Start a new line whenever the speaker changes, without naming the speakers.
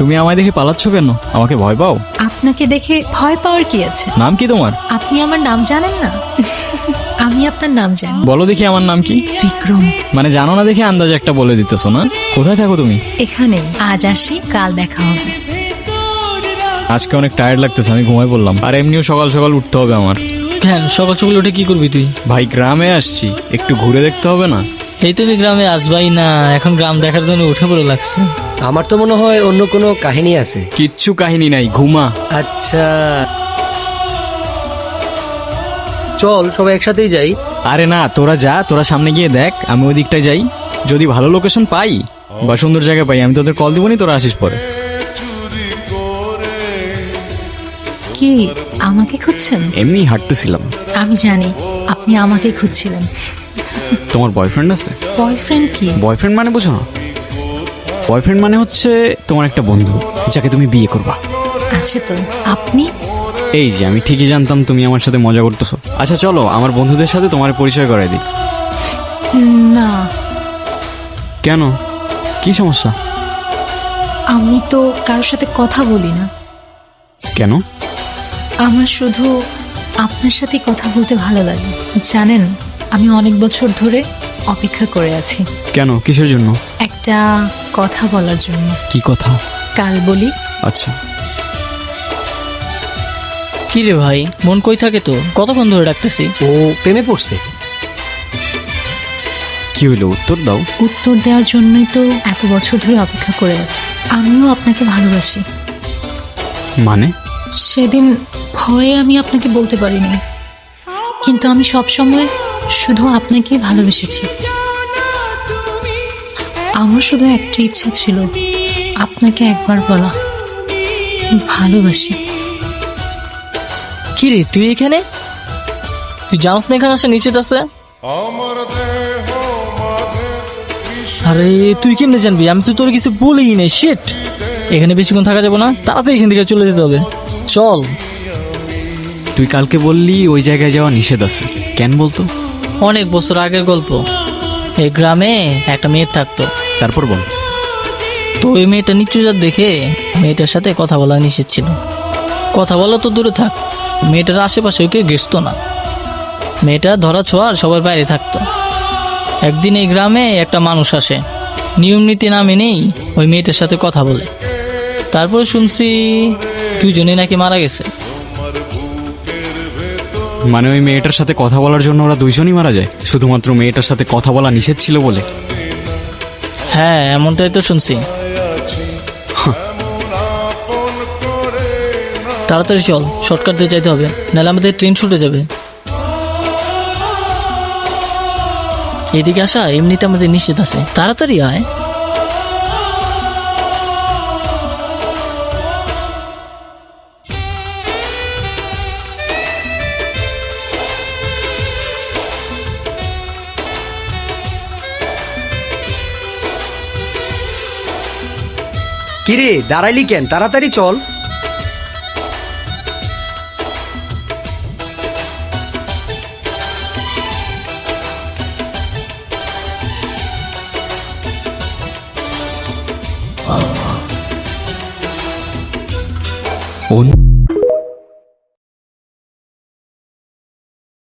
তুমি আমায় দেখে পালাচ্ছ কেন? আমাকে ভয় পাও?
আপনাকে দেখে ভয় পাওয়ার কি আছে?
নাম কি তোমার?
আপনি আমার নাম জানেন না? আমি আপনার নাম জানি।
বলো দেখি আমার নাম কি?
বিক্রম।
মানে জানো না দেখে আন্দাজে একটা বলে দিতেছো না? কোথায় থাকো তুমি?
এখানে। আজ আসি, কাল দেখা হবে।
আজকে অনেক টায়ার্ড লাগতেছে, আমি ঘুমাই পড়লাম। আর এমনিও সকাল সকাল উঠতে হবে আমার।
কেন সকাল সকাল উঠে কি করবি তুই?
ভাই গ্রামে আসছি, একটু ঘুরে দেখতে হবে না?
এই তুমি গ্রামে আসবাই না, এখন গ্রাম দেখার জন্য উঠে পড়ে লাগছে।
আমার তো মনে হয় অন্য কোনো কাহিনী আছে।
কিচ্ছু কাহিনী নাই, ঘুমা।
আচ্ছা চল সবাই একসাথেই যাই।
আরে না, তোরা যা, তোরা সামনে গিয়ে দেখ, আমি ওই দিকটায় যাই। যদি ভালো লোকেশন পাই বা সুন্দর জায়গা পাই, আমি তোদের কল দিবনি, তোরা আসিস পরে।
কি আমাকে খুঁজছেন?
এমনি হাঁটতেছিলাম।
আমি জানি আপনি আমাকে খুঁজছিলেন।
তোমার বয়ফ্রেন্ড আছে?
বয়ফ্রেন্ড কি?
বয়ফ্রেন্ড মানে বুঝো না? বয়ফ্রেন্ড মানে হচ্ছে তোমার একটা বন্ধু, যাকে তুমি বিয়ে করবা।
আছে তো। আপনি?
এই যে আমি ঠিকই জানতাম তুমি আমার সাথে মজা করতেছো। আচ্ছা চলো আমার বন্ধুদের সাথে তোমার পরিচয় করাই দিই।
না।
কেন, কি সমস্যা?
আমি তো কারোর সাথে কথা বলি না।
কেন?
আমার শুধু আপনার সাথে কথা বলতে ভালো লাগে। জানেন, আমি অনেক বছর ধরে অপেক্ষা করে আছি।
কেন, কিসের জন্য?
একটা কথা বলার জন্য।
কি কথা?
কাল বলি।
আচ্ছা।
কি রে ভাই, মন কই থাকে তো? কতক্ষণ ধরে ডাকতেছি।
ও প্রেমে পড়ছে।
কি হইলো, উত্তর দাও।
উত্তর দেওয়ার জন্যই তো এত বছর ধরে অপেক্ষা করে আছি। আমিও আপনাকে ভালোবাসি।
মানে?
সেদিন ভয়ে আমি আপনাকে বলতে পারিনি, কিন্তু আমি সবসময় শুধু আপনাকেই ভালোবেসেছি। আমার শুধু একটা ইচ্ছা ছিল, আপনাকে একবার বলা ভালোবাসি।
কি রে তুই এখানে? তুই জানোস না এখানে আসে নিশ্চিত আছে? আরে তুই কেমনে জানবি? আমি তো তোর কিছু বলেই নাই। শিট, এখানে বেশিক্ষণ থাকা যাবে না, তাড়াতাড়ি এখান থেকে চলে যেতে হবে। চল।
তুই কালকে বললি ওই জায়গায় যাওয়া নিষেধ আছে, কেন বলতো?
অনেক বছর আগের গল্প। এই গ্রামে একটা মেয়ে থাকতো।
তারপর বল।
তো ওই মেয়েটা নিচুজাত দেখে মেয়েটার সাথে কথা বলা নিষেধ ছিল। কথা বলা তো দূরে থাক, মেয়েটার আশেপাশে কেউ ঘেসতো না। মেয়েটা ধরা ছোঁয়ার সবার বাইরে থাকতো। একদিন এই গ্রামে একটা মানুষ আসে, নিয়ম নীতি না মেনেই ওই মেয়েটার সাথে কথা বলে। তারপরে শুনছি দুজনেই নাকি মারা গেছে।
মানে ওই মেয়েটার সাথে কথা বলার জন্য ওরা দুইজনই মারা যায়, শুধুমাত্র মেয়েটার সাথে কথা বলা নিষেধ ছিল বলে?
হ্যাঁ, এমনটাই তো শুনছি। তাড়াতাড়ি চল, শর্টকাট দিয়ে যাইতে হবে, নাহলে আমাদের ট্রেন ছুটে যাবে। এদিকে আসা এমনিতে আমাদের নিষেধ আছে, তাড়াতাড়ি আয়।
কিরে দাঁড়াইলি কেন? তাড়াতাড়ি চল।
ও